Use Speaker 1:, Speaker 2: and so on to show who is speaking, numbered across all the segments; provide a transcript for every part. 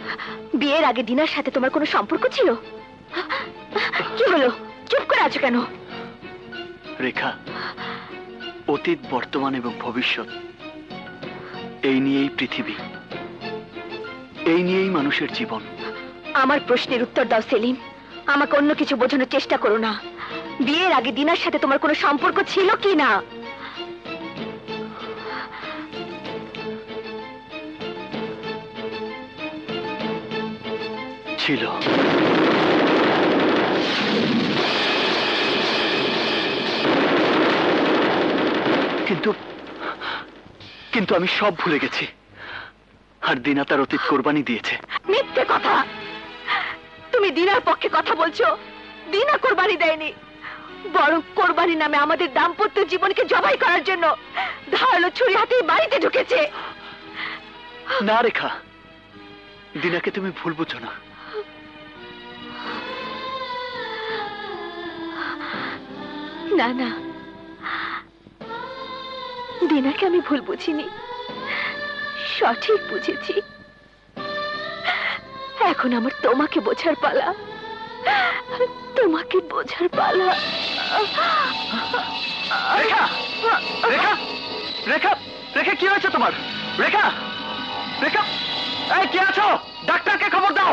Speaker 1: বিয়ের আগে দিনার সাথে তোমার কোনো সম্পর্ক ছিল? কি হলো, চুপ করে আছো কেন?
Speaker 2: রেখা, অতীত, বর্তমান এবং ভবিষ্যৎ, এই নিয়েই পৃথিবী, এই নিয়েই মানুষের জীবন।
Speaker 1: আমার প্রশ্নের উত্তর দাও সেলিম, আমাকে অন্য কিছু বোঝানোর চেষ্টা করো না। বিয়ের আগে দিনার সাথে তোমার কোনো সম্পর্ক ছিল কি না?
Speaker 2: ছিল। কিন্তু কিন্তু আমি সব ভুলে গেছি, আর দিনা তার অতীত কোরবানি দিয়েছে।
Speaker 1: মিথ্যে কথা! তুমি দিনার পক্ষে কথা বলছো। দিনা কোরবানি দেয়নি, বরং কোরবানি নামে আমাদের দাম্পত্য জীবনকে জবাই করার জন্য ধারালো ছুরি হাতে বাড়িতে ঢুকেছে।
Speaker 2: না রেখা, দিনাকে তুমি ভুল বুঝো না।
Speaker 1: না না, দিনাকে আমি ভুল বুঝিনি, সঠিক বুঝেছি। এখন আমার তোমাকে বোঝার পালা, তোমাকে বোঝার পালা।
Speaker 2: রেখা, রেখা, রেখা, রেখা, কি হয়েছে তোমার? রেখা, রেখা, এই কে আছো? ডাক্তারকে খবর দাও।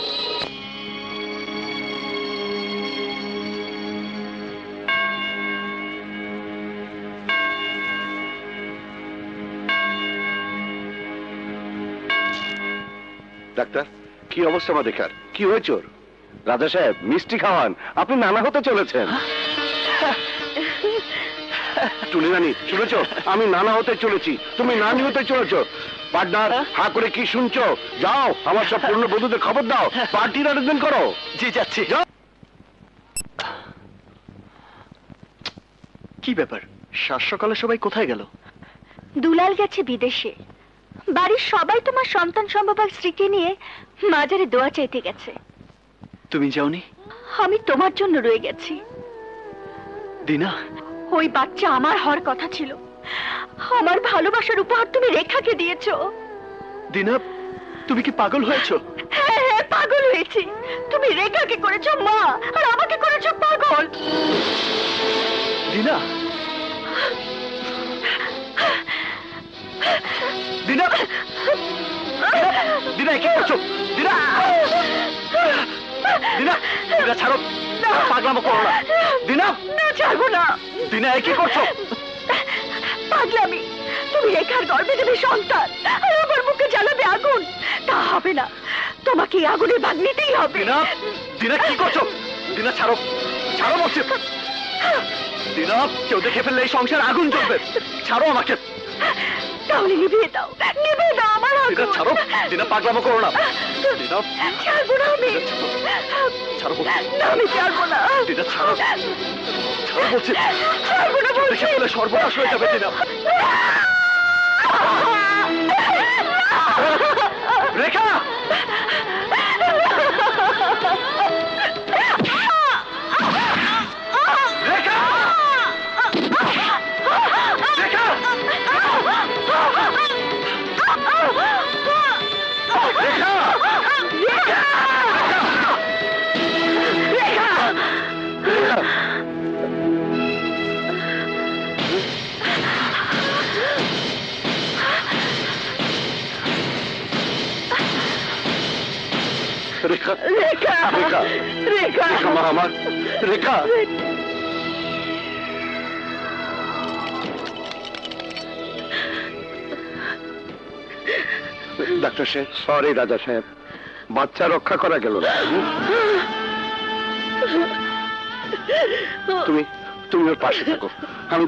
Speaker 3: ডাক্তার, কি অবস্থা আমার দেখার? কি হয়েছে ওর? রাজা সাহেব, মিষ্টি খাওয়ান, আপনি নানা হতে চলেছেন। টুনি রানী, শুনেছ? আমি নানা হতে চলেছি, তুমি নানি হতে চলেছ। পার্টনার, হা করে কি শুনছো? যাও, আমার সব পূর্ণ বন্ধুদের খবর দাও, পার্টির আয়োজন করো।
Speaker 2: জি, যাচ্ছি। কি ব্যাপার, সাত সকালে সবাই কোথায় গেল?
Speaker 1: দুলাল গেছে বিদেশে, বাড়ির সবাই তোমার সন্তান সম্ভবা স্ত্রীকে নিয়ে মাজারে দোয়া চাইতে গেছে।
Speaker 2: তুমি যাওনি?
Speaker 1: আমি তোমার জন্য রয়ে গেছি।
Speaker 2: দিনা,
Speaker 1: ওই বাচ্চা আমার হওয়ার কথা ছিল, আমার ভালোবাসার উপহার তুমি রেখাকে দিয়েছো।
Speaker 2: দিনা, তুমি কি পাগল হয়েছো?
Speaker 1: হ্যাঁ হ্যাঁ, পাগল হয়েছি। তুমি রেখাকে করেছো মা, আর আমাকে করেছো পাগল।
Speaker 2: দিনা, দিনা, দিনা, কি করছো? দিনা, দিনা, দিনা, ছাড়ো, পাগলামো করো না। দিনা,
Speaker 1: না, ছাড়বো না।
Speaker 2: দিনা, কি করছো?
Speaker 1: পাগলামি! তুমি রেখার গর্ভে দেবে সন্তান, আর আমার মুখে জ্বালাবে আগুন। তা হবে না, তোমাকে এই আগুনের ভাগ নিতেই হবে।
Speaker 2: দিনা, দিনা, কি করছো? দিনা, ছাড়ো, ছাড়ো বলছি। দিনা, কেউ দেখে ফেললে এই সংসার আগুন জ্বলবে। ছাড়ো আমাকে।
Speaker 1: তাহলে নিভিয়ে দাও, নিভিয়ে দাও আমার
Speaker 2: দিনা,
Speaker 1: আগুন।
Speaker 2: ছাড়ো। দিনা, পাগলামো করো না। দিনা,
Speaker 1: ছাড়বো না আমি।
Speaker 2: ছাড়ো বলছি।
Speaker 1: না, আমি ছাড়বো না।
Speaker 2: দিনা, ছাড়ো, ছাড়ো বলছি।
Speaker 1: ছাড়বো না
Speaker 2: কেউ
Speaker 1: বলছি।
Speaker 2: দেখে ফেললে সর্বনাশ হয়ে যাবে। দিনা, রেখা, রেখা, রেখা,
Speaker 3: রেখা,
Speaker 1: রেখা,
Speaker 3: রেখা,
Speaker 1: রেখা,
Speaker 3: রেখা মা আমার, রেখা। ডাক্তার সাহেব, সরি রাজা সাহেব, বাচ্চা রক্ষা করা গেল না। তুমি তুমি ওর পাশে থাকো, আমি